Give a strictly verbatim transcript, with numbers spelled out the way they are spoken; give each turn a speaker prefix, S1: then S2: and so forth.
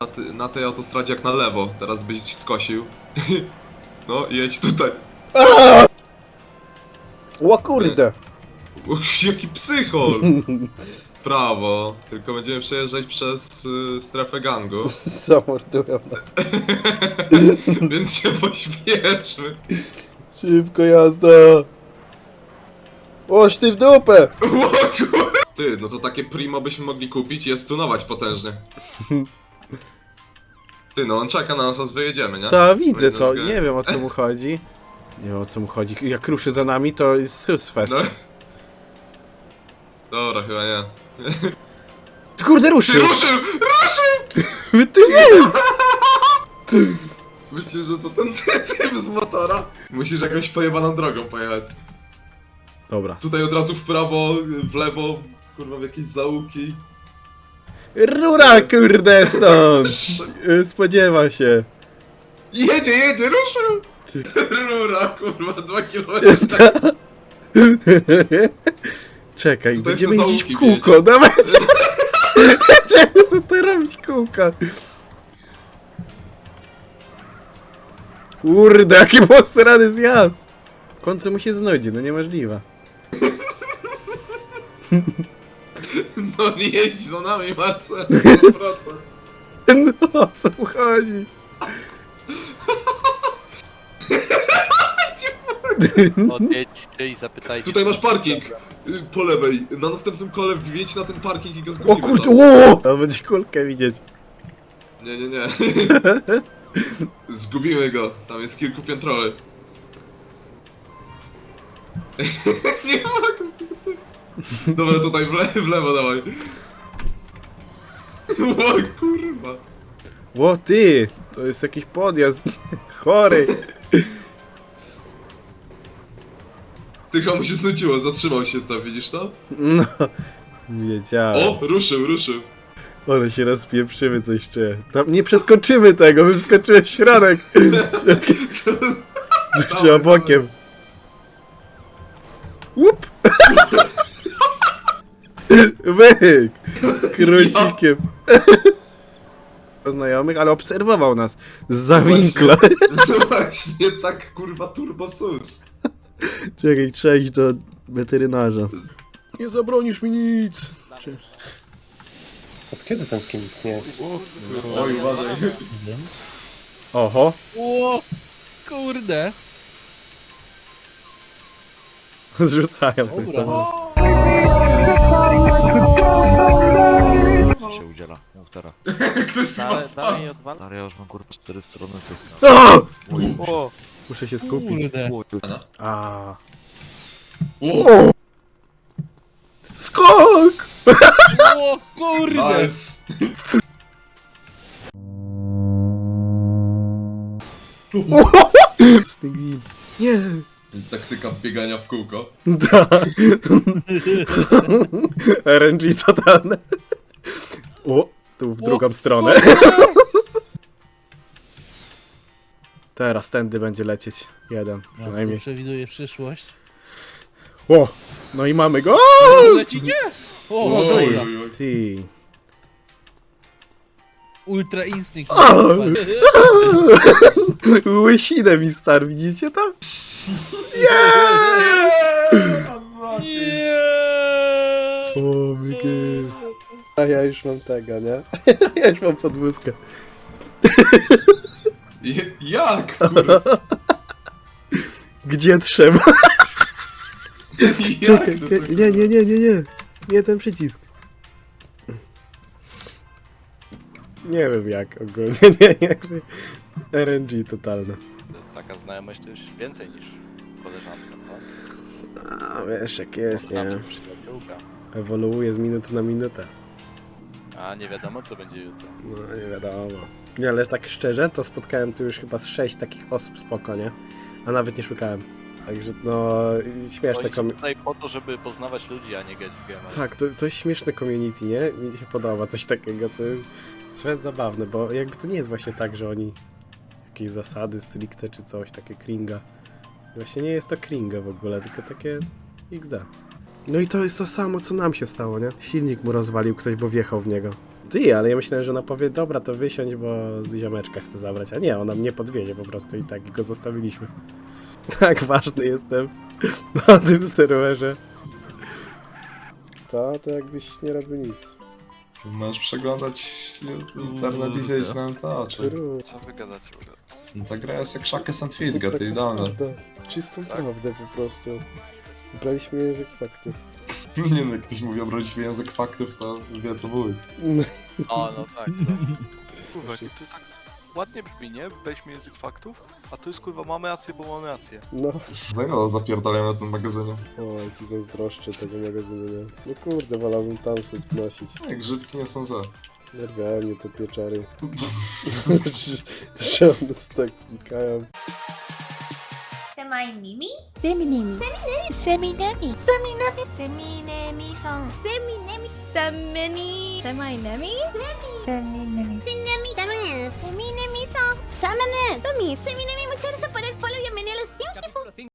S1: Na, ty, na tej autostradzie jak na lewo, teraz byś skosił. No, jedź tutaj.
S2: O kurde!
S1: Uch, jaki psychol! Prawo, tylko będziemy przejeżdżać przez y, strefę gangu.
S2: Zamordują nas.
S1: Więc się pośpieszmy.
S2: Szybko jazda! Oż ty w dupę!
S1: O kur... Ty, no to takie primo byśmy mogli kupić i je stunować potężnie. Ty, no on czeka na nas, aż wyjedziemy, nie?
S2: Ta, widzę to,
S1: Powinno być-
S2: nie wiem o co mu chodzi. Nie wiem o co mu chodzi. Jak ruszy za nami, to jest susfest.
S1: No. Dobra, chyba nie.
S2: Kurde,
S1: Ty,
S2: ruszył!
S1: ruszył! Ruszył!
S2: Ty wy!
S1: Myślisz, że to ten ty- typ z motora? Musisz jakąś pojebaną drogą pojechać.
S2: Dobra.
S1: Tutaj od razu w prawo, w lewo, kurwa w jakieś zaułki.
S2: Rura, kurde, stąd! Spodziewa się.
S1: Jedzie, jedzie, ruszył! Rura, kurwa, dwa kilometry.
S2: Czekaj,
S1: Tutaj
S2: będziemy
S1: te
S2: jeździć w
S1: zaułki
S2: kółko,
S1: wiecie.
S2: dawaj! Będziemy tutaj robić kółka. Kurde, jaki posrany zjazd! W końcu mu się znudzi, no niemożliwe.
S1: No nie jeździ za nami, Marce, sto procent.
S2: No, o co mu chodzi?
S3: Odjedźcie i zapytajcie.
S1: Tutaj masz parking. y, Po lewej. Na następnym kole wjedź na ten parking i go zgubimy.
S2: O kurde,
S1: tam.
S2: o! On będzie kulkę widzieć.
S1: Nie, nie, nie. Zgubimy go. Tam jest kilkupiętrowy. Nie mogę z tego typu. Dobra, tutaj w, le w lewo dawaj. O kurwa.
S2: O ty! To jest jakiś podjazd. Chory.
S1: Tylko mu się snuciło, zatrzymał się tam, widzisz to?
S2: No. Wiedziałem.
S1: O, ruszył, ruszył.
S2: Ale się rozpieprzymy coś jeszcze. Tam nie przeskoczymy tego, bym wskoczyłem w środek. Trzeba bokiem. Łup! Wyk! Z krócikiem. Znajomych, ale obserwował nas za winkla.
S1: No właśnie, tak kurwa turbo sus.
S2: Czekaj, trzeba iść do weterynarza. Nie zabronisz mi nic.
S4: Od kiedy ten skin istnieje?
S1: Oj, uważaj.
S2: Oho.
S3: O, kurde.
S2: Zrzucają z tej
S3: Dobra.
S2: samochód.
S5: się udziela, mów teraz.
S1: Ktoś tu ma
S5: Dalej,
S1: spam.
S5: dalej odwal. Stary, ja już mam kurwa cztery strony tu.
S2: O!
S3: O,
S2: Muszę się skupić.
S3: kurde.
S2: A.
S1: O,
S2: Skok!
S3: O, kurde.
S1: nice.
S2: Stygwin. Nie.
S1: Taktyka biegania w kółko.
S2: Da. R N G totalne. O, tu w drugą stronę. Teraz tędy będzie lecieć. Jeden,
S3: Ja
S2: przynajmniej.
S3: przewiduję przyszłość.
S2: O! No i mamy go!
S3: Leci nie! O,
S1: Oj,
S3: dobra.
S1: oj, oj.
S2: Ty.
S3: Ultra instynkt.
S2: Łysinę mi star, widzicie to?
S3: Nie!
S2: O my god. A ja już mam tego, nie? Ja już mam podwózkę.
S1: Je- Jak? Kurwa.
S2: Gdzie trzeba?
S1: Jak
S2: Czekaj,
S1: to
S2: nie,
S1: tak-
S2: nie, nie, nie, nie, nie. Nie ten przycisk. Nie wiem jak ogólnie, nie, jakby R N G totalne.
S3: Taka znajomość to już więcej niż koleżanka, co?
S2: A wiesz jak jest, nie?
S3: Nawet przyjaciółka.
S2: Ewoluuje z minuty na minutę.
S3: A nie wiadomo co będzie jutro.
S2: No nie wiadomo. Nie, ale tak szczerze, to spotkałem tu już chyba z sześć takich osób spoko, nie? A nawet nie szukałem. Także no, śmieszne
S3: Oni są
S2: komi...
S3: tutaj po to, żeby poznawać ludzi, a nie grać w game.
S2: Tak, to, to jest śmieszne community, nie? Mi się podoba coś takiego, to jest zabawne, bo jakby to nie jest właśnie tak, że oni jakieś zasady stricte czy coś, takie kringa. Właśnie nie jest to kringa w ogóle, tylko takie X D. No i to jest to samo, co nam się stało, nie? Silnik mu rozwalił ktoś, bo wjechał w niego. Ty, ale ja myślałem, że ona powie, dobra, to wysiądź, bo ziomeczka chce zabrać. A nie, ona mnie podwiezie po prostu i tak go zostawiliśmy. Tak ważny jestem na tym serwerze. To, to jakbyś nie robił nic.
S1: Możesz przeglądać internet i siedzieć na to, czy...
S2: True.
S3: Co wy gadacie w ogóle?
S1: No ta gra jest jak Shackles and Fitga, to idealne.
S2: prawda. Czystą prawdę po prostu. Braliśmy język faktów.
S1: Nie no, jak ktoś mówi obraliśmy język faktów, to wie co mówi.
S3: O, no tak. No. Kurwa, jakie to tak ładnie brzmi, nie? Weźmy język faktów, a to jest kurwa, mamy rację, bo mamy rację.
S2: No.
S1: No i no, zapierdalają na tym magazynie.
S2: O, jaki zazdroszczę tego magazynu, nie? No kurde, wolałbym tam sobie nosić.
S1: Jak grzybki nie są za.
S2: Nerwiają mnie te pieczary. że, że one tak znikają.
S4: Semai Mimi?
S6: Seminemi. Seminemi. Seminemi.
S4: Seminemi san. Seminemi.
S6: Semini.
S4: Semi-nemi?
S6: Seminemi.
S4: Seminemi. Seminemi san. Semine. Semi. Seminemi mucho